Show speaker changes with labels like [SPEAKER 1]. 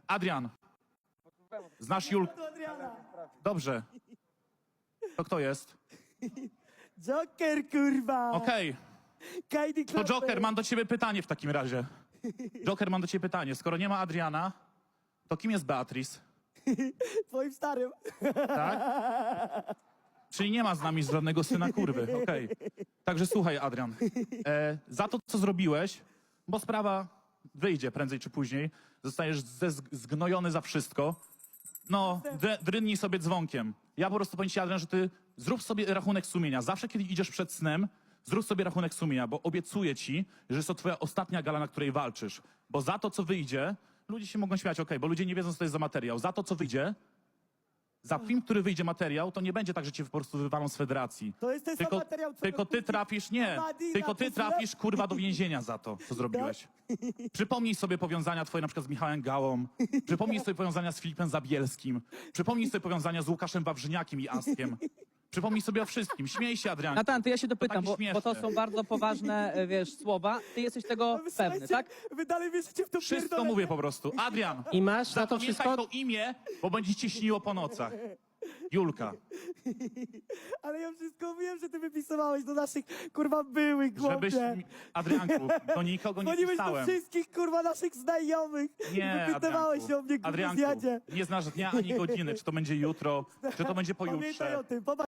[SPEAKER 1] Adrian, znasz Julkę? Dobrze. To kto jest?
[SPEAKER 2] Joker, kurwa!
[SPEAKER 1] Okej.
[SPEAKER 2] Kajdy
[SPEAKER 1] To Joker, mam do ciebie pytanie w takim razie. Joker, mam do ciebie pytanie. Skoro nie ma Adriana, to kim jest Beatrice?
[SPEAKER 2] Twoim starym.
[SPEAKER 1] Tak? Czyli nie ma z nami żadnego syna kurwy, okej. Także słuchaj, Adrian, za to, co zrobiłeś, bo sprawa wyjdzie prędzej czy później, zostajesz zgnojony za wszystko, no, drynij sobie dzwonkiem. Ja po prostu powiem ci, Adrian, że ty zrób sobie rachunek sumienia. Zawsze, kiedy idziesz przed snem, zrób sobie rachunek sumienia, bo obiecuję ci, że jest to twoja ostatnia gala, na której walczysz. Bo za to, co wyjdzie, ludzie się mogą śmiać, okej, bo ludzie nie wiedzą, co to jest za materiał. Za to, co wyjdzie, za film, który wyjdzie materiał, to nie będzie tak, że cię po prostu wywalą z federacji.
[SPEAKER 2] To jest ten sam materiał, co
[SPEAKER 1] Tylko ty trafisz, nie,
[SPEAKER 2] Madina,
[SPEAKER 1] tylko ty
[SPEAKER 2] to
[SPEAKER 1] trafisz, kurwa, do więzienia za to, co zrobiłeś. Przypomnij sobie powiązania twoje na przykład z Michałem Gałą, przypomnij sobie powiązania z Filipem Zabielskim, przypomnij sobie powiązania z Łukaszem Wawrzyniakiem i Askiem. Przypomnij sobie o wszystkim. Śmiej się, Adrian.
[SPEAKER 3] Natan, to ja się dopytam,
[SPEAKER 1] takie
[SPEAKER 3] bo to
[SPEAKER 1] śmieszne.
[SPEAKER 3] są bardzo poważne, wiesz, słowa. Ty jesteś tego pewny, tak?
[SPEAKER 2] Wy dalej wierzycie w to
[SPEAKER 1] Wszystko
[SPEAKER 2] pierdolenie?
[SPEAKER 1] mówię po prostu. Adrian,
[SPEAKER 4] I masz na to
[SPEAKER 1] zapamiętaj
[SPEAKER 4] wszystko?
[SPEAKER 1] to imię, bo będzie ci śniło po nocach. Julka.
[SPEAKER 2] Ale ja wszystko wiem, że ty wypisywałeś do naszych, kurwa, byłych,
[SPEAKER 1] Żebyś,
[SPEAKER 2] chłopie.
[SPEAKER 1] Adrianku, do nikogo nie
[SPEAKER 2] Dzwoniłeś do
[SPEAKER 1] pisałem.
[SPEAKER 2] wszystkich, kurwa, naszych znajomych.
[SPEAKER 1] Nie,
[SPEAKER 2] I wypytywałeś
[SPEAKER 1] Adrianku.
[SPEAKER 2] o mnie, kurwa,
[SPEAKER 1] Adrianku,
[SPEAKER 2] zjadzie.
[SPEAKER 1] nie znasz dnia ani godziny, czy to będzie jutro, czy to będzie
[SPEAKER 2] Pamiętaj
[SPEAKER 1] pojutrze.
[SPEAKER 2] o tym.